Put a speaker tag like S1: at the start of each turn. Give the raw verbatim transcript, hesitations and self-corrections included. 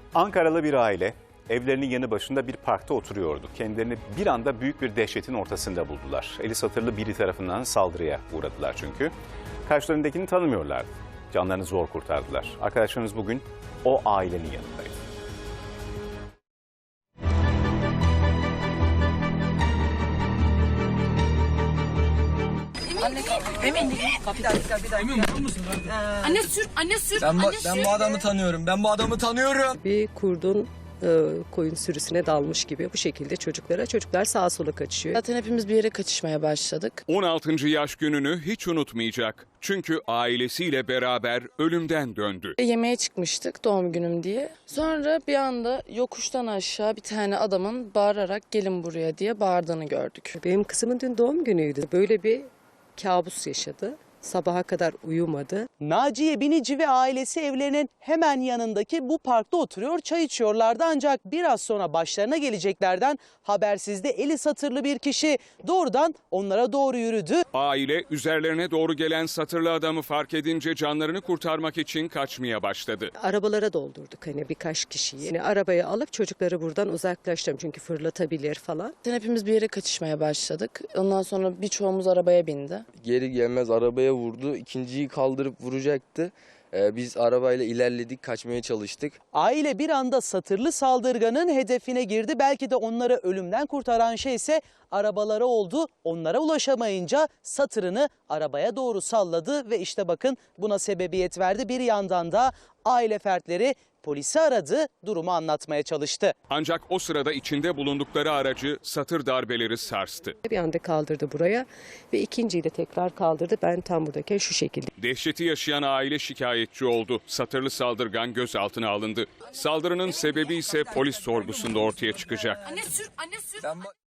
S1: Ankaralı bir aile evlerinin yanı başında bir parkta oturuyordu. Kendilerini bir anda büyük bir dehşetin ortasında buldular. Eli satırlı biri tarafından saldırıya uğradılar çünkü. Karşılarındakini tanımıyorlardı. Canlarını zor kurtardılar. Arkadaşlarımız bugün o ailenin yanındaydı.
S2: Anne emin değilim. Bir dakika, bir dakika.
S3: Emin musun?
S2: Anne sür, anne sür,
S3: Ben,
S2: anne
S3: bu,
S2: sür.
S3: ben bu adamı tanıyorum. Ben bu adamı tanıyorum.
S4: Bir kurdun e, koyun sürüsüne dalmış gibi bu şekilde çocuklara, çocuklar sağa sola kaçıyor.
S5: Zaten hepimiz bir yere kaçışmaya başladık.
S6: on altıncı yaş gününü hiç unutmayacak. Çünkü ailesiyle beraber ölümden döndü.
S5: Yemeğe çıkmıştık doğum günüm diye. Sonra bir anda yokuştan aşağı bir tane adamın bağırarak gelin buraya diye bağırdığını gördük.
S4: Benim kızımın dün doğum günüydü. Böyle bir kabus yaşadı. Sabaha kadar uyumadı.
S7: Naciye Binici ve ailesi evlerinin hemen yanındaki bu parkta oturuyor, çay içiyorlardı. Ancak biraz sonra başlarına geleceklerden habersizde eli satırlı bir kişi doğrudan onlara doğru yürüdü.
S6: Aile üzerlerine doğru gelen satırlı adamı fark edince canlarını kurtarmak için kaçmaya başladı.
S4: Arabalara doldurduk hani birkaç kişiyi. Yani arabayı alıp çocukları buradan uzaklaştırdım çünkü fırlatabilir falan.
S5: Zaten hepimiz bir yere kaçışmaya başladık. Ondan sonra birçoğumuz arabaya bindi.
S8: Geri gelmez arabaya vurdu. İkinciyi kaldırıp vuracaktı. Ee, biz arabayla ilerledik, kaçmaya çalıştık.
S7: Aile bir anda satırlı saldırganın hedefine girdi. Belki de onları ölümden kurtaran şey ise arabaları oldu. Onlara ulaşamayınca satırını arabaya doğru salladı ve işte bakın buna sebebiyet verdi. Bir yandan da aile fertleri polisi aradı, durumu anlatmaya çalıştı.
S6: Ancak o sırada içinde bulundukları aracı satır darbeleri sarstı.
S4: Bir anda kaldırdı buraya ve ikinciyi de tekrar kaldırdı. Ben tam buradayken şu şekilde.
S6: Dehşeti yaşayan aile şikayetçi oldu. Satırlı saldırgan gözaltına alındı. Saldırının sebebi ise polis sorgusunda ortaya çıkacak.
S2: Anne sür, anne sür.
S3: Ben bu...